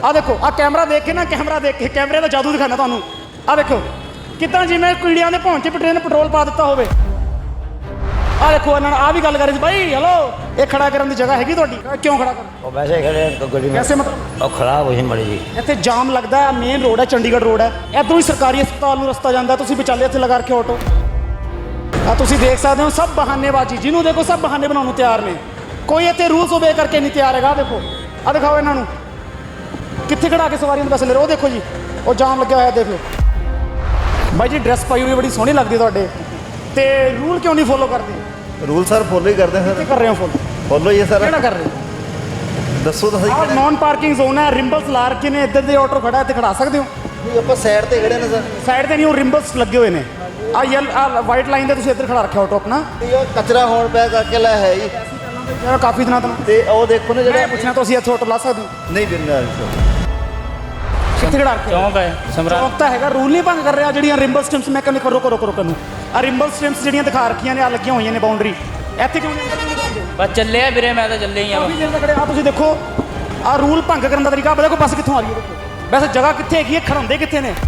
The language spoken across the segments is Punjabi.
ਆ ਦੇਖੋ ਆ ਕੈਮਰਾ ਦੇਖ ਕੇ ਨਾ ਕੈਮਰੇ ਦਾ ਜਾਦੂ ਦਿਖਾਣਾ ਤੁਹਾਨੂੰ। ਆ ਦੇਖੋ ਕਿੱਦਾਂ ਜਿਵੇਂ ਕੀੜਿਆਂ ਦੇ ਭੌਂ 'ਚ ਪਟਰੇ ਪੈਟਰੋਲ ਪਾ ਦਿੱਤਾ ਹੋਵੇ। ਆ ਦੇਖੋ ਇਹਨਾਂ ਨਾਲ ਆ ਵੀ ਗੱਲ ਕਰ ਰਹੀ ਸੀ ਬਾਈ ਹੈਲੋ ਇਹ ਖੜਾ ਕਰਨ ਦੀ ਜਗ੍ਹਾ ਹੈਗੀ ਤੁਹਾਡੀ? ਕਿਉਂ ਖੜਾ ਕਰ वैसे खड़े गड्डी में कैसे मतलब और खराब हुई मड़ी जी। ਇੱਥੇ ਜਾਮ ਲੱਗਦਾ ਹੈ। ਮੇਨ ਰੋਡ ਹੈ ਚੰਡੀਗੜ੍ਹ ਰੋਡ ਹੈ। ਇੱਧਰੋਂ ਹੀ ਸਰਕਾਰੀ ਹਸਪਤਾਲ ਨੂੰ ਰਸਤਾ ਜਾਂਦਾ। ਤੁਸੀਂ ਵਿਚਾਲੇ ਇੱਥੇ ਲਗਾ ਰੱਖਿਆ ਆਟੋ। ਆ ਤੁਸੀਂ ਦੇਖ ਸਕਦੇ ਹੋ ਸਭ ਬਹਾਨੇਬਾਜ਼ੀ। ਜਿਹਨੂੰ ਦੇਖੋ ਸਭ ਬਹਾਨੇ ਬਣਾਉਣ ਨੂੰ ਤਿਆਰ ਨੇ। ਕੋਈ ਇੱਥੇ ਰੂਲਸ ਓਬੇ ਕਰਕੇ ਨਹੀਂ ਤਿਆਰ ਹੈਗਾ। ਦੇਖੋ ਆ ਦਿਖਾਓ ਇਹਨਾਂ ਨੂੰ ਕਿੱਥੇ ਖੜਾ ਕੇ ਸਵਾਰੀਆਂ ਨੂੰ ਪੈਸੇ ਲੈ ਰਹੇ। ਉਹ ਦੇਖੋ ਜੀ ਉਹ ਜਾਮ ਲੱਗਿਆ ਹੋਇਆ ਦੇਖ ਲਓ। ਬਾਈ ਜੀ ਡਰੈਸ ਪਾਈ ਹੋਈ ਬੜੀ ਸੋਹਣੀ ਲੱਗਦੀ ਤੁਹਾਡੇ ਤੇ ਰੂਲ ਕਿਉਂ ਨਹੀਂ ਫੋਲੋ ਕਰਦੇ? रूल सर फॉलो ही करते हैं ਕਿੱਥੇ सर। ਕਰ ਰਹੇ ਹੋ ਫੋਲੋ? फॉलो ही है सर। ਕਿਹੜਾ ਕਰ ਰਹੇ ਹੋ? दसो तो सही। ਆਹ ਨੌਨ ਪਾਰਕਿੰਗ ਜ਼ੋਨ ਹੈ। ਰਿੰਬਲਸ ਲਾ ਰੱਖੇ ਨੇ। ਇੱਧਰ ਦੇ ਆਟੋ ਖੜਾ ਇੱਥੇ ਖੜਾ ਸਕਦੇ ਹੋ। नहीं आप साइड ते खड़े ने सर। ਸਾਈਡ ਤੇ ਨਹੀਂ ਉਹ ਰਿੰਬਲਸ ਲੱਗੇ ਹੋਏ ਨੇ। ਆ ਵਾਈਟ ਲਾਈਨ ਤੇ ਤੁਸੀਂ ਇੱਧਰ ਖੜਾ ਰੱਖਿਆ ਆਟੋ ਆਪਣਾ। ये कचरा होने पे करके ला है जी। ਜਿਹੜਾ ਕਾਫੀ ਦਿਨਾਂ ਤੋਂ ते ओ देखो ना ਜਿਹੜਾ जेड़ा ਪੁੱਛਣਾ ਤੁਸੀਂ ਇੱਥੇ ਆਟੋ ਲਾ ਸਕਦੇ ਹੋ? नहीं देना सर। ਕਿੱਥੇ ਖੜਾ ਰੱਖਿਆ? ਚੌਂਕ ਹੈ ਸਮਰਾ ਚੌਂਕ ਤਾਂ ਹੈਗਾ। ਰੂਲ ਨਹੀਂ ਭੰਗ ਕਰ ਰਿਹਾ। ਜਿਹੜੀਆਂ ਰਿੰਬਲ ਸਟ੍ਰਿਪਸ ਮੈਂ ਕਹਿੰਦਾ ਕਰੋ ਕਰੋ ਕਰੋ ਕਰੋ ਆ ਰਿੰਬਲ ਸਟ੍ਰਿਪਸ ਜਿਹੜੀਆਂ ਦਿਖਾ ਰੱਖੀਆਂ ਨੇ ਆ ਲੱਗੀਆਂ ਹੋਈਆਂ ਨੇ ਬਾਉਂਡਰੀ। ਇੱਥੇ ਕਿਉਂ ਨਹੀਂ ਅੰਦਰ ਨਹੀਂ ਦਿਖਾਉਂਦੇ? ਬਸ ਚੱਲੇ ਆ ਵੀਰੇ ਮੈਂ ਤਾਂ ਚੱਲੇ ਹੀ ਆ ਕਾਫੀ ਦੇਰ ਤੱਕ ਖੜੇ ਆ ਤੁਸੀਂ ਦੇਖੋ ਆ ਰੂਲ ਭੰਗ ਕਰਨ ਦਾ ਤਰੀਕਾ। ਦੇਖੋ ਬੱਸ ਕਿੱਥੋਂ ਆ ਰਹੀ ਹੈ। ਦੇਖੋ ਵੈਸੇ ਜਗ੍ਹਾ ਕਿੱਥੇ ਹੈਗੀ ਹੈ? ਖੜਾਉਂਦੇ ਕਿੱਥੇ ਨੇ?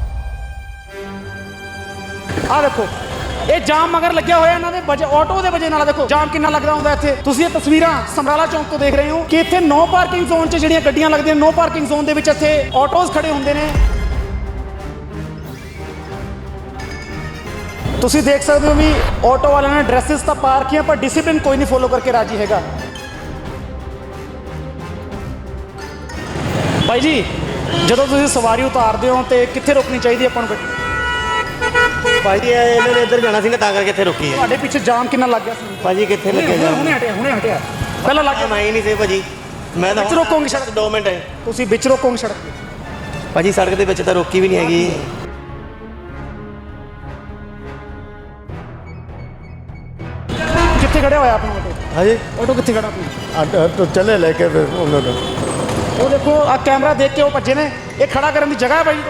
ਆ ਦੇਖੋ ਇਹ ਜਾਮ ਮਗਰ ਲੱਗਿਆ ਹੋਇਆ ਇਹਨਾਂ ਦੇ ਵਜੇ ਆਟੋ ਦੇ ਵਜੇ ਨਾਲ। ਦੇਖੋ ਜਾਮ ਕਿੰਨਾ ਲੱਗਦਾ ਹੁੰਦਾ ਇੱਥੇ। ਤੁਸੀਂ ਇਹ ਤਸਵੀਰਾਂ ਸਮਰਾਲਾ ਚੌਂਕ ਤੋਂ ਦੇਖ ਰਹੇ ਹੋ ਕਿ ਇੱਥੇ ਨੋ ਪਾਰਕਿੰਗ ਜ਼ੋਨ 'ਚ ਜਿਹੜੀਆਂ ਗੱਡੀਆਂ ਲੱਗਦੀਆਂ ਨੋ ਪਾਰਕਿੰਗ ਜ਼ੋਨ ਦੇ ਵਿੱਚ ਇੱਥੇ ਆਟੋਜ਼ ਖੜੇ ਹੁੰਦੇ ਨੇ। ਤੁਸੀਂ ਦੇਖ ਸਕਦੇ ਹੋ ਵੀ ਆਟੋ ਵਾਲਿਆਂ ਨੇ ਡਰੈਸਿਸ ਤਾਂ ਪਾ ਰੱਖੀਆਂ ਪਰ ਡਿਸਿਪਲਿਨ ਕੋਈ ਨਹੀਂ ਫੋਲੋ ਕਰਕੇ ਰਾਜੀ ਹੈਗਾ। ਭਾਈ ਜੀ ਜਦੋਂ ਤੁਸੀਂ ਸਵਾਰੀ ਉਤਾਰਦੇ ਹੋ ਤੇ ਕਿੱਥੇ ਰੋਕਣੀ ਚਾਹੀਦੀ ਆਪਾਂ ਨੂੰ ਗੱਡੀ? ਭਾਜੀ ਇਹਨਾਂ ਨੇ ਇੱਧਰ ਜਾਣਾ ਸੀ ਨਾ ਤਾਂ ਕਰਕੇ ਇੱਥੇ ਰੁਕੀ ਹੈ। ਤੁਹਾਡੇ ਪਿੱਛੇ ਜਾਮ ਕਿੰਨਾ ਲੱਗ ਗਿਆ ਸੀ? ਭਾਜੀ ਕਿੱਥੇ ਲੱਗੇ ਜਾ ਹੁਣੇ ਹਟਿਆ ਪਹਿਲਾਂ ਲੱਗ ਗਿਆ। ਮੈਂ ਹੀ ਨਹੀਂ ਸੀ ਭਾਜੀ। ਮੈਂ ਤਾਂ ਵਿੱਚ ਰੋਕੋਗੇ ਸੜਕ? 2 ਮਿੰਟ ਹੈ ਤੁਸੀਂ ਵਿੱਚ ਰੋਕੋਗੇ ਸੜਕ ਤੇ? ਭਾਜੀ ਸੜਕ ਦੇ ਵਿੱਚ ਤਾਂ ਰੋਕੀ ਵੀ ਨਹੀਂ ਹੈਗੀ। ਕਿੱਥੇ ਖੜਿਆ ਹੋਇਆ ਆਪਣਾ ਆਟੋ? हाँ जी ਆਟੋ ਕਿੱਥੇ ਖੜਾ ਆਪਣਾ? तो चले लेके फिर उन्होंने ਉਹ ਦੇਖੋ ਆ ਕੈਮਰਾ ਦੇਖ ਕੇ ਉਹ ਭੱਜੇ ਨੇ। ਇਹ ਖੜਾ ਕਰਨ ਦੀ ਜਗ੍ਹਾ ਹੈ ਭਾਈ।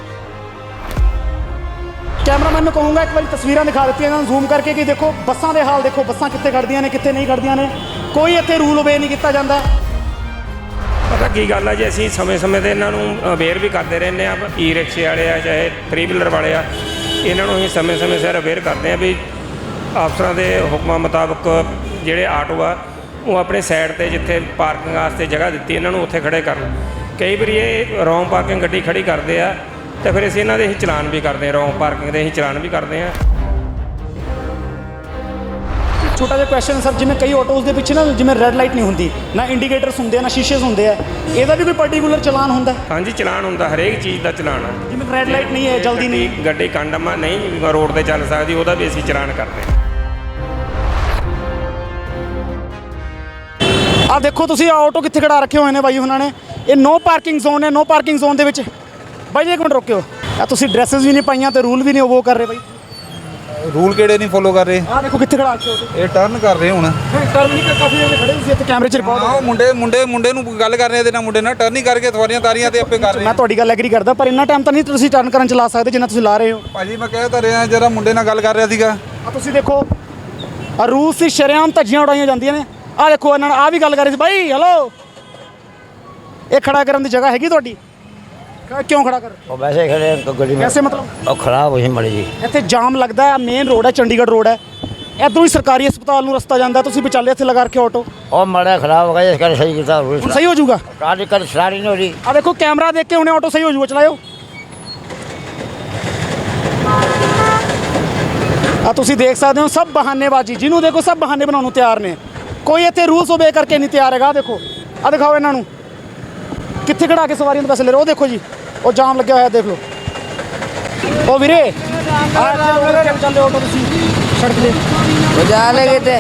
ਕੈਮਰਾਮੈਨ ਨੂੰ ਕਹੂੰਗਾ ਇੱਕ ਵਾਰੀ ਤਸਵੀਰਾਂ ਦਿਖਾ ਦਿੱਤੀਆਂ ਇਹਨਾਂ ਨੂੰ ਜ਼ੂਮ ਕਰਕੇ ਕਿ ਦੇਖੋ ਬੱਸਾਂ ਦੇ ਹਾਲ ਦੇਖੋ। ਬੱਸਾਂ ਕਿੱਥੇ ਖੜਦੀਆਂ ਨੇ ਕਿੱਥੇ ਨਹੀਂ ਖੜਦੀਆਂ ਨੇ। ਕੋਈ ਇੱਥੇ ਰੂਲ ਓਬੇ ਨਹੀਂ ਕੀਤਾ ਜਾਂਦਾ। ਪਤਾ ਕੀ ਗੱਲ ਆ ਜੀ ਅਸੀਂ ਸਮੇਂ-ਸਮੇਂ ਤੇ ਇਹਨਾਂ ਨੂੰ ਅਵੇਅਰ ਵੀ ਕਰਦੇ ਰਹਿੰਦੇ ਆ। ਈ ਰਿਕਸ਼ੇ ਵਾਲੇ ਆ ਚਾਹੇ 3 ਵੀਲਰ ਵਾਲੇ ਆ ਇਹਨਾਂ ਨੂੰ ਅਸੀਂ ਸਮੇਂ-ਸਮੇਂ ਸਿਰ ਅਵੇਅਰ ਕਰਦੇ ਆ ਵੀ ਅਫਸਰਾਂ ਦੇ ਹੁਕਮਾਂ ਮੁਤਾਬਕ ਜਿਹੜੇ ਆਟੋ ਆ ਉਹ ਆਪਣੇ ਸਾਈਡ ਤੇ ਜਿੱਥੇ ਪਾਰਕਿੰਗ ਵਾਸਤੇ ਜਗ੍ਹਾ ਦਿੱਤੀ ਇਹਨਾਂ ਨੂੰ ਉੱਥੇ ਖੜੇ ਕਰਨ। ਕਈ ਵਾਰੀ ਇਹ ਰੌਂਗ ਪਾਰਕਿੰਗ ਗੱਡੀ ਖੜੀ ਕਰਦੇ ਆ ਤੇ ਫਿਰ ਅਸੀਂ ਇਹਨਾਂ ਦੇ ਹੀ ਚਲਾਨ ਵੀ ਕਰਦੇ ਆ। ਰੌਂਗ ਪਾਰਕਿੰਗ ਦੇ ਅਸੀਂ ਚਲਾਨ ਵੀ ਕਰਦੇ ਆ। ਛੋਟਾ ਜਿਹਾ ਕੁਐਸਚਨ ਸਰ ਜਿਵੇਂ ਕਈ ਆਟੋਜ਼ ਦੇ ਪਿੱਛੇ ਨਾ ਜਿਵੇਂ ਰੈੱਡ ਲਾਈਟ ਨਹੀਂ ਹੁੰਦੀ ਨਾ ਇੰਡੀਕੇਟਰਸ ਹੁੰਦੇ ਆ ਨਾ ਸ਼ੀਸ਼ੇਸ ਹੁੰਦੇ ਆ। ਇਹਦਾ ਵੀ ਕੋਈ ਪਾਰਟੀਕੂਲਰ ਚਲਾਨ ਹੁੰਦਾ? ਹਾਂਜੀ ਚਲਾਨ ਹੁੰਦਾ ਹਰੇਕ ਚੀਜ਼ ਦਾ ਚਲਾਨ ਆ। ਜਿਵੇਂ ਰੈੱਡ ਲਾਈਟ ਨਹੀਂ ਹੈ ਜਲਦੀ ਨਹੀਂ ਗੱਡੀ ਕੰਡਮ ਨਹੀਂ ਰੋਡ ਤੇ ਚੱਲ ਸਕਦੀ ਉਹਦਾ ਵੀ ਅਸੀਂ ਚਲਾਨ ਕਰਦੇ ਆ। ਆ ਦੇਖੋ ਤੁਸੀਂ ਆਟੋ ਕਿੱਥੇ ਖੜਾ ਰੱਖੇ ਹੋਏ ਨੇ ਬਾਈ ਉਹਨਾਂ ਨੇ। ਇਹ ਨੋ ਪਾਰਕਿੰਗ ਜ਼ੋਨ ਹੈ। ਨੋ ਪਾਰਕਿੰਗ ਜ਼ੋਨ ਦੇ ਵਿੱਚ ਬਾਈ ਜੀ ਇੱਕ ਮਿੰਟ ਰੁਕਿਓ। ਆ ਤੁਸੀਂ ਡਰੈਸਸ ਵੀ ਨਹੀਂ ਪਾਈਆਂ ਤੇ ਰੂਲ ਵੀ ਨਹੀਂ ਉਹ ਕਰ ਰਹੇ ਬਾਈ। ਰੂਲ ਕਿਹੜੇ ਨਹੀਂ ਫੋਲੋ ਕਰ ਰਹੇ? ਆ ਦੇਖੋ ਕਿੱਥੇ ਖੜਾ ਰੱਖੇ ਹੋ। ਇਹ ਟਰਨ ਕਰ ਰਹੇ ਹੁਣ। ਟਰਨ ਨਹੀਂ ਕਾਫੀ ਜਣੇ ਖੜੇ ਸੀ ਇੱਥੇ ਕੈਮਰੇ 'ਚ ਰਿਕਾਰਡ ਆਹ ਮੁੰਡੇ ਨੂੰ ਗੱਲ ਕਰ ਰਹੇ ਤੇ ਨਾ ਮੁੰਡੇ ਨਾਲ ਟਰਨ ਹੀ ਕਰਕੇ ਸਵਾਰੀਆਂ ਤਾਰੀਆਂ ਤੇ ਆਪੇ ਕਰ ਰਹੇ। ਮੈਂ ਤੁਹਾਡੀ ਗੱਲ ਐਗਰੀ ਕਰਦਾ ਪਰ ਇੰਨਾ ਟਾਈਮ ਤਾਂ ਨਹੀਂ ਤੁਸੀਂ ਟਰਨ ਕਰਨ ਚਲਾ ਸਕਦੇ ਜਿੰਨਾ ਤੁਸੀਂ ਲਾ ਰਹੇ ਹੋ। ਭਾਜੀ ਮੈਂ ਕਹਿ ਤਾਂ ਰਿਹਾ ਜਰਾ ਮੁੰਡੇ ਨਾਲ ਗੱਲ ਕਰ ਰਿਹਾ ਸੀਗਾ। ਆ ਤੁਸੀਂ ਦੇਖੋ ਆ ਰੂਲ ਸੀ ਸ਼ਰੇਆਮ ਧੱਜੀਆਂ ਉਡਾਈਆਂ ਜਾਂਦੀਆਂ ਨੇ। ਆ ਦੇਖੋ ਇਹਨਾਂ ਨਾਲ ਆ ਵੀ ਗੱਲ ਕਰ ਰਹੀ ਸੀ ਬਾਈ ਹੈਲੋ ਇਹ ਖੜਾ ਕਰਨ ਦੀ ਜਗ੍ਹਾ ਹੈਗੀ ਤੁਹਾਡੀ? ਕਿਉਂ ਖੜਾ ਕਰ? और वैसे खड़े गड्डी में कैसे मतलब और खराब हुई मड़ी जी। ਇੱਥੇ ਜਾਮ ਲੱਗਦਾ ਹੈ। ਮੇਨ ਰੋਡ ਹੈ ਚੰਡੀਗੜ੍ਹ ਰੋਡ ਹੈ। ਇੱਧਰੋਂ ਹੀ ਸਰਕਾਰੀ ਹਸਪਤਾਲ ਨੂੰ ਰਸਤਾ ਜਾਂਦਾ। ਤੁਸੀਂ ਵਿਚਾਲੇ ਇੱਥੇ ਲਗਾ ਰੱਖਿਆ ਆਟੋ। और मड़ा खराब हो गया इसका सही किया ਹੁਣ ਸਹੀ ਹੋ ਜਾਊਗਾ। गाड़ी कर स्टार्ट नहीं हो रही। ਆ ਦੇਖੋ ਕੈਮਰਾ ਦੇਖ ਕੇ ਹੁਣੇ ਆਟੋ ਸਹੀ ਹੋ ਜਾਊਗਾ। ਚਲਾਇਓ। ਆ ਤੁਸੀਂ ਦੇਖ ਸਕਦੇ ਹੋ ਸਭ ਬਹਾਨੇਬਾਜ਼ੀ। ਜਿਹਨੂੰ ਦੇਖੋ ਸਭ ਬਹਾਨੇ ਬਣਾਉਣ ਨੂੰ ਤਿਆਰ ਨੇ। ਕੋਈ ਇੱਥੇ ਰੂਲਸ ਓਬੇ ਕਰਕੇ ਨਹੀਂ ਤਿਆਰ ਹੈਗਾ। ਦੇਖੋ ਆ ਦਿਖਾਓ ਇਹਨਾਂ ਨੂੰ ਕਿੱਥੇ ਖੜਾ ਕੇ ਸਵਾਰੀਆਂ ਨੂੰ ਪੈਸੇ ਲੈ ਰਹੇ। ਉਹ ਦੇਖੋ ਜੀ ਉਹ ਜਾਮ ਲੱਗਿਆ ਹੋਇਆ ਦੇਖ ਲਓ। ਉਹ ਵੀਰੇ ਚੱਲਦੇ ਆਟੋ ਤੁਸੀਂ ਸੜਕ ਤੇ बजा लगे थे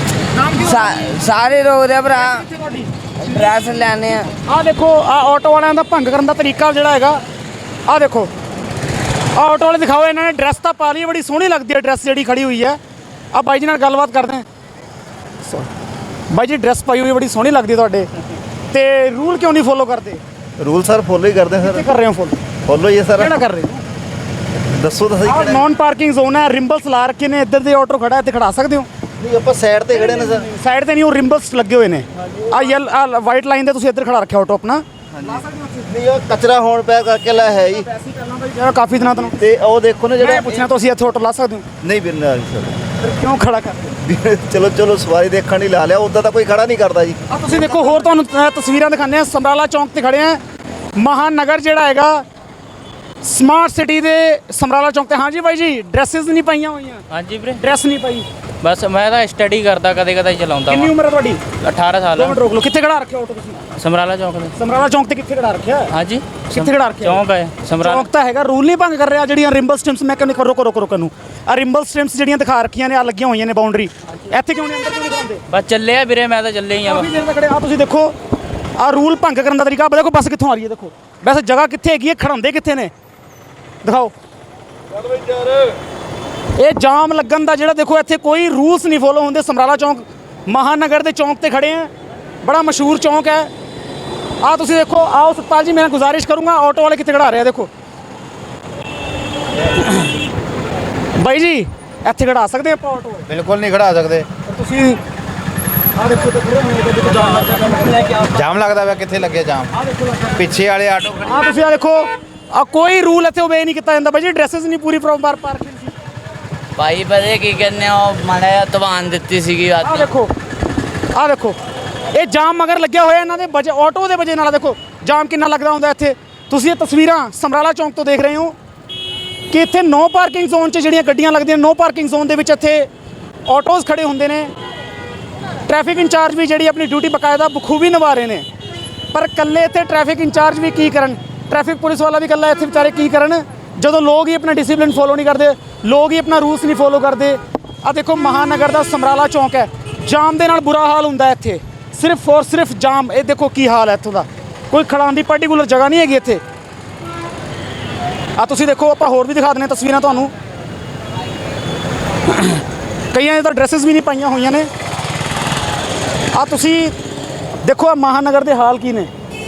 सारे रोक रहे भरा ड्रैस लैने। ਆ ਦੇਖੋ ਆ ਆਟੋ ਵਾਲਿਆਂ ਦਾ ਭੰਗ ਕਰਨ ਦਾ ਤਰੀਕਾ ਜਿਹੜਾ ਹੈਗਾ। ਆ ਦੇਖੋ ਆ ਆਟੋ ਵਾਲੇ ਦਿਖਾਓ ਇਹਨਾਂ ਨੇ ਡਰੈਸ ਤਾਂ ਪਾ ਲਈ ਬੜੀ ਸੋਹਣੀ ਲੱਗਦੀ ਹੈ ਡਰੈਸ ਜਿਹੜੀ ਖੜੀ ਹੋਈ ਹੈ। ਆ ਬਾਈ ਜੀ ਨਾਲ ਗੱਲਬਾਤ ਕਰਦੇ ਹਾਂ। ਬਾਈ ਜੀ ਡਰੈਸ ਪਾਈ ਹੋਈ ਬੜੀ ਸੋਹਣੀ ਲੱਗਦੀ ਤੁਹਾਡੇ ਤੇ ਰੂਲ ਕਿਉਂ ਨਹੀਂ ਫੋਲੋ ਕਰਦੇ? रूल सर फॉलो ही करते हैं ਕਿੱਥੇ सर। ਕਰ ਰਹੇ ਹੋ ਫੋਲੋ? फॉलो ही है सर। ਕਿਹੜਾ ਕਰ ਰਹੇ ਹੋ? दसो तो सही। ਆ ਨੌਨ ਪਾਰਕਿੰਗ ਜ਼ੋਨ ਹੈ। ਰਿੰਬਲਸ ਲਾ ਰੱਖੇ ਨੇ। ਇੱਧਰ ਦੇ ਆਟੋ ਖੜਾ ਇੱਥੇ ਖੜਾ ਸਕਦੇ ਹੋ। नहीं आप साइड ते खड़े ने सर। ਸਾਈਡ ਤੇ ਨਹੀਂ ਉਹ ਰਿੰਬਲਸ ਲੱਗੇ ਹੋਏ ਨੇ। ਆ ਵਾਈਟ ਲਾਈਨ ਤੇ ਤੁਸੀਂ ਇੱਧਰ ਖੜਾ ਰੱਖਿਆ ਆਟੋ ਆਪਣਾ। ਨਹੀਂ ਉਹ ਕਚਰਾ ਹੋਣ ਪਿਆ ਕਰਕੇ ਲੈ ਹੈ ਜੀ ਵੈਸੇ ਕਰਨਾ ਬਾਈ ਜਿਹੜਾ ਕਾਫੀ ਦਿਨਾਂ ਤੋਂ ਤੇ ਉਹ ਦੇਖੋ ਨਾ ਮੈਂ ਜਿਹੜਾ ਪੁੱਛਣਾ ਤੁਸੀਂ ਇੱਥੇ ਆਟੋ ਲਾ ਸਕਦੇ ਹੋ ਨਹੀਂ ਬਿਰਨਾ ਸਰ ਫਿਰ ਕਿਉਂ ਖੜਾ ਕਰਦੇ ਚਲੋ ਚਲੋ ਸਵਾਰੀ ਦੇਖਣ ਲਈ ਲਾ ਲਿਆ ਉਦਾਂ ਤਾਂ ਕੋਈ ਖੜਾ ਨਹੀਂ ਕਰਦਾ ਜੀ ਆ ਤੁਸੀਂ ਦੇਖੋ ਹੋਰ ਤੁਹਾਨੂੰ ਤਸਵੀਰਾਂ ਦਿਖਾਉਂਦੇ ਆ ਸਮਰਾਲਾ ਚੌਂਕ ਤੇ ਖੜੇ ਆ ਮਹਾਨਗਰ ਜਿਹੜਾ ਹੈਗਾ ਸਮਾਰਟ ਸਿਟੀ ਦੇ ਸਮਰਾਲਾ ਚੌਂਕ ਤੇ ਹਾਂਜੀ ਬਾਈ ਜੀ ਡਰੈਸਸ ਨਹੀਂ ਪਾਈਆਂ ਹੋਈਆਂ ਹਾਂਜੀ ਵੀਰੇ ਡਰੈਸ ਨਹੀਂ ਪਾਈ ਬਸ ਮੈਂ ਤਾਂ ਸਟੱਡੀ ਕਰਦਾ ਕਦੇ ਕਦੇ ਚਲਾਉਂਦਾ ਕਿੰਨੀ ਵਾਂ ਉਮਰ ਹੈ ਤੁਹਾਡੀ 18 ਸਾਲ 2 ਮਿੰਟ ਰੋਕ ਲਓ ਕਿੱਥੇ ਖੜਾ ਰੱਖਿਆ ਆਟੋ ਤੁਸੀਂ ਸਮਰਾਲਾ ਚੌਂਕ ਦੇ ਸਮਰਾਲਾ ਚੌਂਕ ਤੇ ਕਿੱਥੇ ਖੜਾ ਰੱਖਿਆ ਹਾਂਜੀ ਕਿੱਥੇ ਖੜਾ ਰੱਖਿਆ ਚੌਂਕ ਹੈ ਸਮਰਾਲਾ ਚੌਂਕ ਤਾਂ ਹੈਗਾ ਰੂਲ ਨਹੀਂ ਭੰਗ ਕਰ ਰਿਹਾ ਜਿਹੜੀਆਂ ਰਿੰਬਲ ਸਟ੍ਰਿਪਸ ਮੈਂ ਕਹਿੰਦਾ ਰੋਕੋ ਨੂੰ ਆ ਰਿੰਬਲ ਸਟ੍ਰਿਪਸ ਜਿਹੜੀਆਂ ਦਿਖਾ ਰੱਖੀਆਂ ਨੇ ਆ ਲੱਗੀਆਂ ਹੋਈਆਂ ਨੇ ਬਾਉਂਡਰੀ ਇੱਥੇ ਕਿਉਂ ਨਹੀਂ ਅੰਦਰ ਕਿਉਂ ਨਹੀਂ ਕਰਾਉਂਦੇ ਬਸ ਚੱਲਿਆ ਵੀਰੇ ਮੈਂ ਤਾਂ ਚੱਲੇ ਹੀ ਆ ਕਾਫੀ ਦੇਰ ਤੱਕ ਖੜੇ ਆ ਤੁਸੀਂ ਦੇਖੋ ਆ ਰੂਲ ਭੰਗ ਕਰਨ ਦਾ ਤਰੀਕਾ ਦੇਖੋ ਬੱਸ ਕਿੱਥੋਂ ਆ ਰਹੀ ਹੈ ਦੇਖੋ ਵੈਸੇ ਜਗ੍ਹਾ ਕਿੱਥੇ ਹੈਗੀ ਹੈ ਖੜਾਉਂਦੇ ਕਿੱਥੇ ਨੇ ਦਿਖਾਓ ਇਹ ਜਾਮ ਲੱਗਣ ਦਾ ਜਿਹੜਾ ਦੇਖੋ ਇੱਥੇ ਕੋਈ ਰੂਲਸ ਨਹੀਂ ਫੋਲੋ ਹੁੰਦੇ ਸਮਰਾਲਾ ਚੌਂਕ ਮਹਾਨਗਰ ਦੇ ਚੌਂਕ ਤੇ ਖੜੇ ਆ ਬੜਾ ਮਸ਼ਹੂਰ ਚੌਂਕ ਹੈ ਆ ਤੁਸੀਂ ਦੇਖੋ ਆਓ ਸਤਪਾਲ ਜੀ ਮੈਂ ਗੁਜ਼ਾਰਿਸ਼ ਕਰੂੰਗਾ ਆਟੋ ਵਾਲੇ ਕਿੱਥੇ ਖੜਾ ਰਹੇ ਆ ਦੇਖੋ ਬਾਈ ਜੀ ਇੱਥੇ ਖੜਾ ਸਕਦੇ ਆਪਾਂ ਆਟੋ ਬਿਲਕੁਲ ਨਹੀਂ ਖੜਾ ਸਕਦੇ ਤੁਸੀਂ ਆ ਦੇਖੋ ਤੇ ਖੜੇ ਹੋਏ ਦੇਖੋ ਜਾਮ ਲੱਗਦਾ ਜਾਮ ਲੱਗਦਾ ਵਾ ਕਿੱਥੇ ਲੱਗੇ ਜਾਮ ਆ ਦੇਖੋ ਲੱਗਦਾ ਪਿੱਛੇ ਵਾਲੇ ਆਟੋ ਆ ਤੁਸੀਂ ਆ ਦੇਖੋ ਆ ਕੋਈ ਰੂਲ ਇੱਥੇ ਓਬੇ ਨਹੀਂ ਕੀਤਾ ਜਾਂਦਾ ਬਾਈ ਜੀ ਡਰੈਸਸ ਨਹੀਂ ਪੂਰੀ ਪ੍ਰੋਪਰ ਪਾਰਕਿੰਗ ਸੀ ਭਾਈ ਪਤਾ ਕੀ ਕਹਿੰਦੇ ਉਹ ਮਾੜਾ ਜਿਹਾ ਤਵਾਨ ਦਿੱਤੀ ਸੀਗੀ ਆ ਦੇਖੋ ਇਹ ਜਾਮ ਮਗਰ ਲੱਗਿਆ ਹੋਇਆ ਇਹਨਾਂ ਦੇ ਵਜੇ ਆਟੋ ਦੇ ਵਜੇ ਨਾਲ ਦੇਖੋ ਜਾਮ ਕਿੰਨਾ ਲੱਗਦਾ ਹੁੰਦਾ ਇੱਥੇ ਤੁਸੀਂ ਇਹ ਤਸਵੀਰਾਂ ਸਮਰਾਲਾ ਚੌਂਕ ਤੋਂ ਦੇਖ ਰਹੇ ਹੋ ਕਿ ਇੱਥੇ ਨੋ ਪਾਰਕਿੰਗ ਜ਼ੋਨ 'ਚ ਜਿਹੜੀਆਂ ਗੱਡੀਆਂ ਲੱਗਦੀਆਂ ਨੋ ਪਾਰਕਿੰਗ ਜ਼ੋਨ ਦੇ ਵਿੱਚ ਇੱਥੇ ਆਟੋਜ਼ ਖੜੇ ਹੁੰਦੇ ਨੇ ਟ੍ਰੈਫਿਕ ਇੰਚਾਰਜ ਵੀ ਜਿਹੜੀ ਆਪਣੀ ਡਿਊਟੀ ਬਕਾਇਦਾ ਬਖੂਬੀ ਨਿਭਾ ਰਹੇ ਨੇ ਪਰ ਇਕੱਲੇ ਇੱਥੇ ਟ੍ਰੈਫਿਕ ਇੰਚਾਰਜ ਵੀ ਕੀ ਕਰਨ ਟ੍ਰੈਫਿਕ ਪੁਲਿਸ ਵਾਲਾ ਵੀ ਇਕੱਲਾ ਇੱਥੇ ਵਿਚਾਰੇ ਕੀ ਕਰਨ ਜਦੋਂ ਲੋਕ ਹੀ ਆਪਣਾ ਡਿਸਿਪਲਿਨ ਫੋਲੋ ਨਹੀਂ ਕਰਦੇ ਲੋਕ ਹੀ ਆਪਣਾ ਰੂਲਸ ਨਹੀਂ ਫੋਲੋ ਕਰਦੇ ਆ ਦੇਖੋ ਮਹਾਨਗਰ ਦਾ ਸਮਰਾਲਾ ਚੌਂਕ ਹੈ ਜਾਮ ਦੇ ਨਾਲ ਬੁਰਾ ਹਾਲ ਹੁੰਦਾ ਇੱਥੇ ਸਿਰਫ ਔਰ ਸਿਰਫ ਜਾਮ ਇਹ ਦੇਖੋ ਕੀ ਹਾਲ ਹੈ ਇੱਥੋਂ ਦਾ ਕੋਈ ਖੜਾਉਣ ਦੀ ਪਾਰਟੀਕੂਲਰ ਜਗ੍ਹਾ ਨਹੀਂ ਹੈਗੀ ਇੱਥੇ ਆ ਤੁਸੀਂ ਦੇਖੋ ਆਪਾਂ ਹੋਰ ਵੀ ਦਿਖਾ ਦਿੰਦੇ ਤਸਵੀਰਾਂ ਤੁਹਾਨੂੰ ਕਈਆਂ ਨੇ ਤਾਂ ਡਰੈਸਸ ਵੀ ਨਹੀਂ ਪਾਈਆਂ ਹੋਈਆਂ ਨੇ ਆ ਤੁਸੀਂ ਦੇਖੋ ਆ ਮਹਾਨਗਰ ਦੇ ਹਾਲ ਕੀ ਨੇ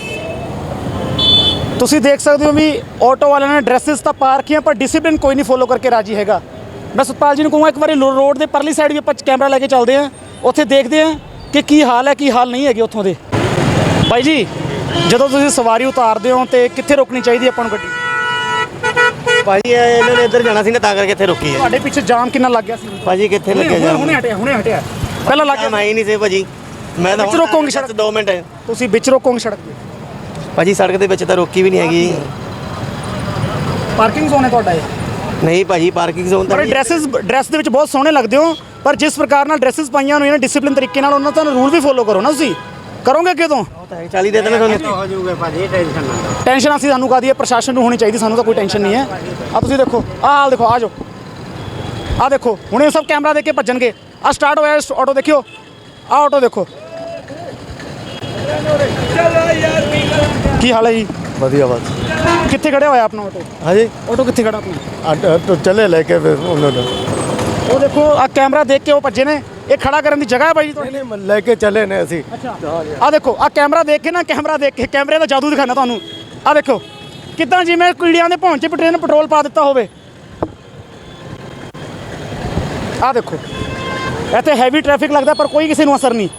ਤੁਸੀਂ ਦੇਖ ਸਕਦੇ ਹੋ ਵੀ ਆਟੋ ਵਾਲਿਆਂ ਨੇ ਡਰੈਸਸ ਤਾਂ ਪਾ ਰੱਖੀਆਂ ਪਰ ਡਿਸਿਪਲਿਨ ਕੋਈ ਨਹੀਂ ਫੋਲੋ ਕਰਕੇ ਰਾਜੀ ਹੈਗਾ ਮੈਂ ਸਤਪਾਲ ਜੀ ਨੂੰ ਕਹੂੰਗਾ ਇੱਕ ਵਾਰੀ ਰੋਡ ਦੇ ਪਰਲੀ ਸਾਈਡ ਵੀ ਆਪਾਂ ਕੈਮਰਾ ਲੈ ਕੇ ਚੱਲਦੇ ਹਾਂ ਉੱਥੇ ਦੇਖਦੇ ਹਾਂ ਕਿ ਕੀ ਹਾਲ ਹੈ ਕੀ ਹਾਲ ਨਹੀਂ ਹੈਗੇ ਉੱਥੋਂ ਦੇ ਬਾਈ ਜੀ ਜਦੋਂ ਤੁਸੀਂ ਸਵਾਰੀ ਉਤਾਰਦੇ ਹੋ ਤੇ ਕਿੱਥੇ ਰੋਕਣੀ ਚਾਹੀਦੀ ਆਪਾਂ ਨੂੰ ਗੱਡੀ ਭਾਜੀ ਇਹਨਾਂ ਨੇ ਇੱਧਰ ਜਾਣਾ ਸੀ ਨਾ ਤਾਂ ਕਰਕੇ ਇੱਥੇ ਰੁਕੀ ਹੈ ਤੁਹਾਡੇ ਪਿੱਛੇ ਜਾਮ ਕਿੰਨਾ ਲੱਗ ਗਿਆ ਸੀ ਭਾਜੀ ਕਿੱਥੇ ਲੱਗਿਆ ਹੁਣੇ ਹਟਿਆ ਪਹਿਲਾਂ ਲੱਗ ਜਾਮ ਗਿਆ ਆਈ ਨਹੀਂ ਸੀ ਭਾਜੀ ਮੈਂ ਤਾਂ ਵਿੱਚ ਰੋਕੋਗੇ ਸੜਕ 2 ਮਿੰਟ ਤੁਸੀਂ ਵਿੱਚ ਰੋਕੋਗੇ ਸੜਕ ਤੇ ਭਾਜੀ ਸੜਕ ਦੇ ਵਿੱਚ ਤਾਂ ਰੋਕੀ ਵੀ ਨਹੀਂ ਹੈਗੀ ਪਾਰਕਿੰਗ ਜ਼ੋਨ ਹੈ ਤੁਹਾਡਾ ਇਹ ਨਹੀਂ ਭਾਜੀ ਪਾਰਕਿੰਗ ਜ਼ੋਨ ਤਾਂ ਪਰ ਡਰੈਸ ਦੇ ਵਿੱਚ ਬਹੁਤ ਸੋਹਣੇ ਲੱਗਦੇ ਹੋ ਪਰ ਜਿਸ ਪ੍ਰਕਾਰ ਨਾਲ ਡਰੈਸਸ ਪਾਈਆਂ ਹੋਈਆਂ ਨੇ ਡਿਸਿਪਲਿਨ ਤਰੀਕੇ ਨਾਲ ਉਹਨਾਂ ਦਾ ਰੂਲ ਵੀ ਫੋਲੋ ਕਰੋ ਨਾ ਤੁਸੀਂ ਕਰੋਗੇ ਕਿਦੋਂ 40 ਦੇ ਦੇਣਾ ਤੁਹਾਨੂੰ ਹੋ ਜਾਊਗਾ ਭਾਜੀ ਟੈਨਸ਼ਨ ਨਾ ਟੈਨਸ਼ਨ ਅਸੀਂ ਸਾਨੂੰ ਕਾਦੀ ਹੈ ਪ੍ਰਸ਼ਾਸਨ ਨੂੰ ਹੋਣੀ ਚਾਹੀਦੀ ਸਾਨੂੰ ਤਾਂ ਕੋਈ ਟੈਨਸ਼ਨ ਨਹੀਂ ਹੈ ਆ ਤੁਸੀਂ ਦੇਖੋ ਆਹ ਹਾਲ ਦੇਖੋ ਆ ਜਾਓ ਆ ਦੇਖੋ ਹੁਣੇ ਸਭ ਕੈਮਰਾ ਦੇਖ ਕੇ ਭੱਜਣਗੇ ਆ ਸਟਾਰਟ ਹੋਇਆ ਆਟੋ ਦੇਖਿਓ ਆ ਆਟੋ ਦੇਖੋ ਕੀ ਹਾਲ ਹੈ ਜੀ ਵਧੀਆ ਬਾਤ ਕਿੱਥੇ ਖੜਿਆ ਹੋਇਆ ਆਪਣਾ ਆਟੋ ਹਾਂਜੀ ਆਟੋ ਕਿੱਥੇ ਖੜਾ ਆਪਣਾ तो चले लेके फिर उन्होंने ਉਹ ਦੇਖੋ ਆ ਕੈਮਰਾ ਦੇਖ ਕੇ ਉਹ ਭੱਜੇ ਨੇ ਇਹ ਖੜਾ ਕਰਨ ਦੀ ਜਗ੍ਹਾ ਹੈ ਬਾਈ ਜੀ ਤੁਹਾਡੀ नहीं लेके चले ने असी ਅੱਛਾ ਆ ਦੇਖੋ ਆ ਕੈਮਰਾ ਦੇਖ ਕੇ ਨਾ ਕੈਮਰੇ ਦਾ ਜਾਦੂ ਦਿਖਾਣਾ ਤੁਹਾਨੂੰ ਆ ਦੇਖੋ ਕਿਦਾਂ ਜਿਵੇਂ ਕੀੜਿਆਂ ਦੇ ਭੌਂ 'ਚ ਪੈਟਰੋਲ ਪਾ ਦਿੱਤਾ ਹੋਵੇ ਆ ਦੇਖੋ ਇੱਥੇ ਹੈਵੀ ਟ੍ਰੈਫਿਕ ਲੱਗਦਾ ਪਰ ਕੋਈ ਕਿਸੇ ਨੂੰ ਅਸਰ ਨਹੀਂ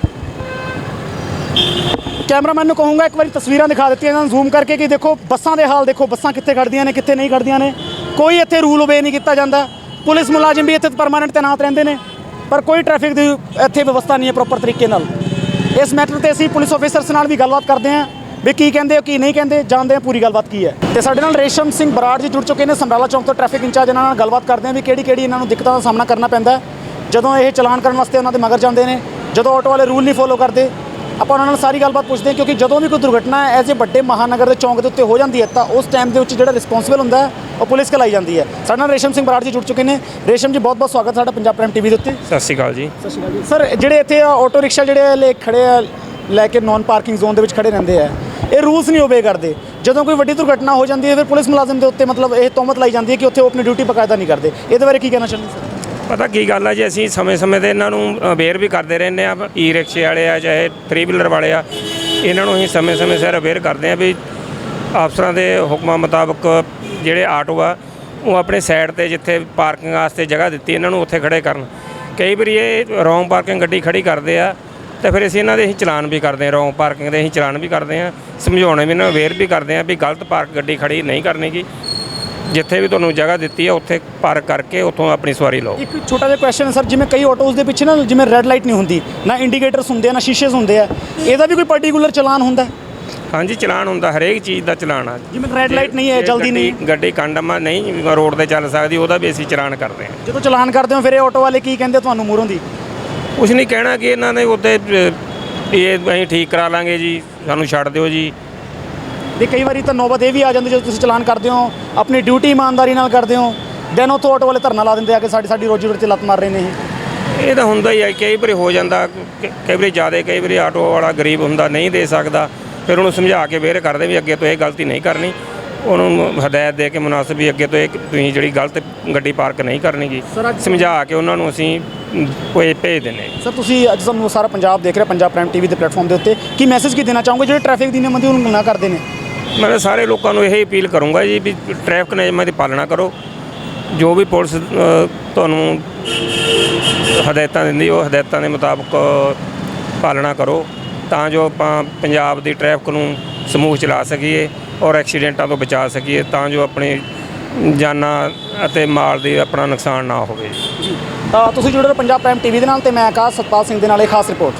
ਕੈਮਰਾਮੈਨ ਨੂੰ ਕਹੂੰਗਾ ਇੱਕ ਵਾਰੀ ਤਸਵੀਰਾਂ ਦਿਖਾ ਦਿੱਤੀਆਂ ਇਹਨਾਂ ਨੂੰ ਜ਼ੂਮ ਕਰਕੇ ਕਿ ਦੇਖੋ ਬੱਸਾਂ ਦੇ ਹਾਲ ਦੇਖੋ ਬੱਸਾਂ ਕਿੱਥੇ ਖੜਦੀਆਂ ਨੇ ਕਿੱਥੇ ਨਹੀਂ ਖੜਦੀਆਂ ਨੇ ਕੋਈ ਇੱਥੇ ਰੂਲ ਓਬੇ ਨਹੀਂ ਕੀਤਾ ਜਾਂਦਾ ਪੁਲਿਸ ਮੁਲਾਜ਼ਮ ਵੀ ਇੱਥੇ ਪਰਮਾਨੈਂਟ ਤੈਨਾਤ ਰਹਿੰਦੇ ਨੇ ਪਰ ਕੋਈ ਟ੍ਰੈਫਿਕ ਦੀ ਇੱਥੇ ਵਿਵਸਥਾ ਨਹੀਂ ਹੈ ਪ੍ਰੋਪਰ ਤਰੀਕੇ ਨਾਲ ਇਸ ਮੈਟਰ ਤੇ ਅਸੀਂ ਪੁਲਿਸ ਆਫੀਸਰਸ ਨਾਲ ਵੀ ਗੱਲਬਾਤ ਕਰਦੇ ਹਾਂ ਵੀ ਕੀ ਕਹਿੰਦੇ ਹੋ ਕੀ ਨਹੀਂ ਕਹਿੰਦੇ ਜਾਣਦੇ ਹਾਂ ਪੂਰੀ ਗੱਲਬਾਤ ਕੀ ਹੈ ਤੇ ਸਾਡੇ ਨਾਲ ਰੇਸ਼ਮ ਸਿੰਘ ਬਰਾੜ ਜੀ ਜੁੜ ਚੁੱਕੇ ਨੇ ਸਮਰਾਲਾ ਚੌਂਕ ਤੋਂ ਟ੍ਰੈਫਿਕ ਇੰਚਾਰਜ ਇਹਨਾਂ ਨਾਲ ਗੱਲਬਾਤ ਕਰਦੇ ਹਾਂ ਵੀ ਕਿਹੜੀ ਇਹਨਾਂ ਨੂੰ ਦਿੱਕਤਾਂ ਦਾ ਸਾਹਮਣਾ ਕਰਨਾ ਪੈਂਦਾ ਜਦੋਂ ਇਹ ਚਲਾਨ ਕਰਨ ਵਾਸਤੇ ਉਹਨਾਂ ਦੇ ਮਗਰ ਜਾਂਦੇ ਨੇ ਜਦੋਂ ਆਟੋ ਵਾਲੇ ਰੂਲ ਨਹੀਂ ਫੋਲੋ ਕਰਦੇ ਆਪਾਂ ਉਹਨਾਂ ਨਾਲ ਸਾਰੀ ਗੱਲਬਾਤ ਪੁੱਛਦੇ ਹਾਂ ਕਿਉਂਕਿ ਜਦੋਂ ਵੀ ਕੋਈ ਦੁਰਘਟਨਾ ਐਜ਼ ਏ ਵੱਡੇ ਮਹਾਨਗਰ ਦੇ ਚੌਂਕ ਦੇ ਉੱਤੇ ਹੋ ਜਾਂਦੀ ਹੈ ਤਾਂ ਉਸ ਟਾਈਮ ਦੇ ਵਿੱਚ ਜਿਹੜਾ ਰਿਸਪੌਂਸਿਬਲ ਹੁੰਦਾ ਹੈ ਉਹ ਪੁਲਿਸ ਕਲਾਈ ਜਾਂਦੀ ਹੈ ਸਾਡੇ ਨਾਲ ਰੇਸ਼ਮ ਸਿੰਘ ਬਰਾੜ ਜੀ ਜੁੜ ਚੁੱਕੇ ਨੇ ਰੇਸ਼ਮ ਜੀ ਬਹੁਤ ਸਵਾਗਤ ਸਾਡਾ ਪੰਜਾਬ ਪ੍ਰਾਈਮ ਟੀਵੀ ਦੇ ਉੱਤੇ ਸਤਿ ਸ਼੍ਰੀ ਅਕਾਲ ਜੀ ਸਤਿ ਸ਼੍ਰੀ ਅਕਾਲ ਜੀ ਸਰ ਜਿਹੜੇ ਇੱਥੇ ਆਟੋ ਰਿਕਸ਼ਾ ਜਿਹੜੇ ਲੈ ਖੜੇ ਆ ਲੈ ਕੇ ਨਾਨ ਪਾਰਕਿੰਗ ਜ਼ੋਨ ਦੇ ਵਿੱਚ ਖੜੇ ਰਹਿੰਦੇ ਆ ਇਹ ਰੂਲਸ ਨਹੀਂ ਓਬੇ ਕਰਦੇ ਜਦੋਂ ਕੋਈ ਵੱਡੀ ਦੁਰਘਟਨਾ ਹੋ ਜਾਂਦੀ ਹੈ ਫਿਰ ਪੁਲਿਸ ਮੁਲਾਜ਼ਮ ਦੇ ਉੱਤੇ ਮਤਲਬ ਇਹ ਤੋਹਮਤ ਲਾਈ ਜਾਂਦੀ ਹੈ ਕਿ ਉੱਥੇ ਉਹ ਆਪਣੀ ਡਿਊਟੀ ਬਕਾਇਦਾ ਨਹੀਂ ਕਰਦੇ ਇਹਦੇ ਬਾਰੇ ਕੀ ਕਹਿਣਾ ਚਾਹੁੰਦੇ ਸਰ ਪਤਾ ਕੀ ਗੱਲ ਆ ਜੀ ਅਸੀਂ ਸਮੇਂ-ਸਮੇਂ ਤੇ ਇਹਨਾਂ ਨੂੰ ਅਵੇਅਰ ਵੀ ਕਰਦੇ ਰਹਿੰਦੇ ਆ ਈ ਰਿਕਸ਼ੇ ਵਾਲੇ ਆ ਚਾਹੇ 3 ਵੀਲਰ ਵਾਲੇ ਆ ਇਹਨਾਂ ਨੂੰ ਅਸੀਂ ਸਮੇਂ-ਸਮੇਂ ਸਿਰ ਅਵੇਅਰ ਕਰਦੇ ਆ ਵੀ ਅਫਸਰਾਂ ਦੇ ਹੁਕਮਾਂ ਮੁਤਾਬਕ ਜਿਹੜੇ ਆਟੋ ਆ ਉਹ ਆਪਣੇ ਸਾਈਡ ਤੇ ਜਿੱਥੇ ਪਾਰਕਿੰਗ ਵਾਸਤੇ ਜਗ੍ਹਾ ਦਿੱਤੀ ਇਹਨਾਂ ਨੂੰ ਉੱਥੇ ਖੜੇ ਕਰਨ ਕਈ ਵਾਰੀ ਇਹ ਰੌਂਗ ਪਾਰਕਿੰਗ ਗੱਡੀ ਖੜੀ ਕਰਦੇ ਆ ਤੇ ਫਿਰ ਅਸੀਂ ਇਹਨਾਂ ਦੇ ਚਲਾਨ ਵੀ ਕਰਦੇ ਹਾਂ, ਰੋਂਗ ਪਾਰਕਿੰਗ ਦੇ ਅਸੀਂ ਚਲਾਨ ਵੀ ਕਰਦੇ ਹਾਂ, ਸਮਝਾਉਣੇ ਵੀ ਇਹਨਾਂ ਨੂੰ ਅਵੇਅਰ ਵੀ ਕਰਦੇ ਹਾਂ ਵੀ ਗਲਤ ਪਾਰਕ ਗੱਡੀ ਖੜੀ ਨਹੀਂ ਕਰਨੀ ਗੀ। ਜਿੱਥੇ ਵੀ ਤੁਹਾਨੂੰ ਜਗ੍ਹਾ ਦਿੱਤੀ ਹੈ ਉੱਥੇ ਪਾਰਕ ਕਰਕੇ ਉੱਥੋਂ ਆਪਣੀ ਸਵਾਰੀ ਲਓ। ਇੱਕ ਛੋਟਾ ਜਿਹਾ ਕੁਐਸਚਨ ਹੈ ਸਰ, ਜਿਵੇਂ ਕਈ ਆਟੋਜ਼ ਦੇ ਪਿੱਛੇ ਨਾ ਜਿਵੇਂ ਰੈੱਡ ਲਾਈਟ ਨਹੀਂ ਹੁੰਦੀ, ਨਾ ਇੰਡੀਕੇਟਰਸ ਹੁੰਦੇ ਆ, ਨਾ ਸ਼ੀਸ਼ੇਸ ਹੁੰਦੇ ਆ, ਇਹਦਾ ਵੀ ਕੋਈ ਪਾਰਟਿਕੂਲਰ ਚਲਾਨ ਹੁੰਦਾ? ਹਾਂਜੀ ਚਲਾਨ ਹੁੰਦਾ, ਹਰੇਕ ਚੀਜ਼ ਦਾ ਚਲਾਨ ਆ। ਜਿਵੇਂ ਰੈੱਡ ਲਾਈਟ ਨਹੀਂ ਹੈ, ਜਲਦੀ ਨਹੀਂ, ਗੱਡੀ ਕੰਡਮ ਨਹੀਂ ਰੋਡ ਤੇ ਚੱਲ ਸਕਦੀ, ਉਹਦਾ ਵੀ ਅਸੀਂ ਚਲਾਨ ਕਰਦੇ ਹਾਂ। ਜਦੋਂ ਚਲਾਨ ਕਰਦੇ ਹੋ ਫਿਰ ਇਹ ਆਟੋ ਵਾਲੇ ਕੀ ਕਹਿੰਦੇ ਤੁਹਾਨੂੰ ਮੂਹਰੋਂ ਦੀ? ਕੁਛ ਨਹੀਂ ਕਹਿਣਾ ਕਿ ਇਹਨਾਂ ਨੇ ਉੱਤੇ ਇਹ ਅਸੀਂ ਠੀਕ ਕਰਾ ਲਾਂਗੇ ਜੀ, ਸਾਨੂੰ ਛੱਡ ਦਿਓ ਜੀ। ਤੇ ਕਈ ਵਾਰੀ ਤਾਂ ਨੌਬਤ ਇਹ ਵੀ ਆ ਜਾਂਦੀ ਜਦੋਂ ਤੁਸੀਂ ਚਲਾਨ ਕਰਦੇ ਹੋ, ਆਪਣੀ ਡਿਊਟੀ ਇਮਾਨਦਾਰੀ ਨਾਲ ਕਰਦੇ ਹੋ, ਦੈਨ ਉੱਥੋਂ ਆਟੋ ਵਾਲੇ ਧਰਨਾ ਲਾ ਦਿੰਦੇ ਆ ਕਿ ਸਾਡੀ ਰੋਜੀ ਰੋਟੀ 'ਤੇ ਲੱਤ ਮਾਰ ਰਹੇ ਨੇ ਇਹ ਤਾਂ ਹੁੰਦਾ ਹੀ ਹੈ, ਕਈ ਵਾਰੀ ਹੋ ਜਾਂਦਾ, ਕਈ ਵਾਰੀ ਜ਼ਿਆਦਾ, ਕਈ ਵਾਰੀ ਆਟੋ ਵਾਲਾ ਗਰੀਬ ਹੁੰਦਾ ਨਹੀਂ ਦੇ ਸਕਦਾ, ਫਿਰ ਉਹਨੂੰ ਸਮਝਾ ਕੇ ਵੇਰ ਕਰਦੇ ਵੀ ਅੱਗੇ ਤੋਂ ਇਹ ਗਲਤੀ ਨਹੀਂ ਕਰਨੀ, ਉਹਨੂੰ ਹਦਾਇਤ ਦੇ ਕੇ ਮੁਨਾਸਬ ਵੀ ਅੱਗੇ ਤੋਂ ਇਹ ਤੁਸੀਂ ਜਿਹੜੀ ਗਲਤ ਗੱਡੀ ਪਾਰਕ ਨਹੀਂ ਕਰਨੀ ਗੀ, ਸਮਝਾ ਕੇ ਉਹਨਾਂ ਨੂੰ ਅਸੀਂ ਕੋਈ ਭੇਜ ਦਿੰਦੇ। ਸਰ ਤੁਸੀਂ ਅੱਜ ਸਾਨੂੰ ਸਾਰਾ ਪੰਜਾਬ ਦੇਖ ਰਿਹਾ, ਪੰਜਾਬ ਪ੍ਰਾਈਮ ਟੀਵੀ ਦੇ ਪਲੇਟਫਾਰਮ ਦੇ ਉੱਤੇ, ਕੀ ਮੈਸੇਜ ਕੀ ਦੇਣਾ ਚਾਹੋਗੇ ਜਿਹੜੇ ਟ੍ਰੈਫਿਕ ਦੀ ਨਿਯਮਾਂ ਦੀ ਉਲੰਘਣਾ ਕਰਦੇ ਨੇ? ਮੈਂ ਤਾਂ ਸਾਰੇ ਲੋਕਾਂ ਨੂੰ ਇਹ ਅਪੀਲ ਕਰੂੰਗਾ ਜੀ ਵੀ ਟ੍ਰੈਫਿਕ ਨਿਯਮਾਂ ਦੀ ਪਾਲਣਾ ਕਰੋ, ਜੋ ਵੀ ਪੁਲਿਸ ਤੁਹਾਨੂੰ ਹਦਾਇਤਾਂ ਦਿੰਦੀ ਉਹ ਹਦਾਇਤਾਂ ਦੇ ਮੁਤਾਬਕ ਪਾਲਣਾ ਕਰੋ, ਤਾਂ ਜੋ ਆਪਾਂ ਪੰਜਾਬ ਦੀ ਟ੍ਰੈਫਿਕ ਨੂੰ ਸਮੂਹ ਚਲਾ ਸਕੀਏ ਔਰ ਐਕਸੀਡੈਂਟਾਂ ਤੋਂ ਬਚਾ ਸਕੀਏ, ਤਾਂ ਜੋ ਆਪਣੀ ਜਾਨਾਂ ਅਤੇ ਮਾਲ ਦੀ ਆਪਣਾ ਨੁਕਸਾਨ ਨਾ ਹੋਵੇ। ਤੁਸੀਂ ਜੁੜੇ ਰਹੋ ਪੰਜਾਬ ਪ੍ਰਾਈਮ ਟੀਵੀ ਦੇ ਨਾਲ, ਤੇ ਮੈਂ ਆਕਾਸ਼ ਸਤਪਾਲ ਸਿੰਘ ਦੇ ਨਾਲ ਇਹ ਖਾਸ ਰਿਪੋਰਟ।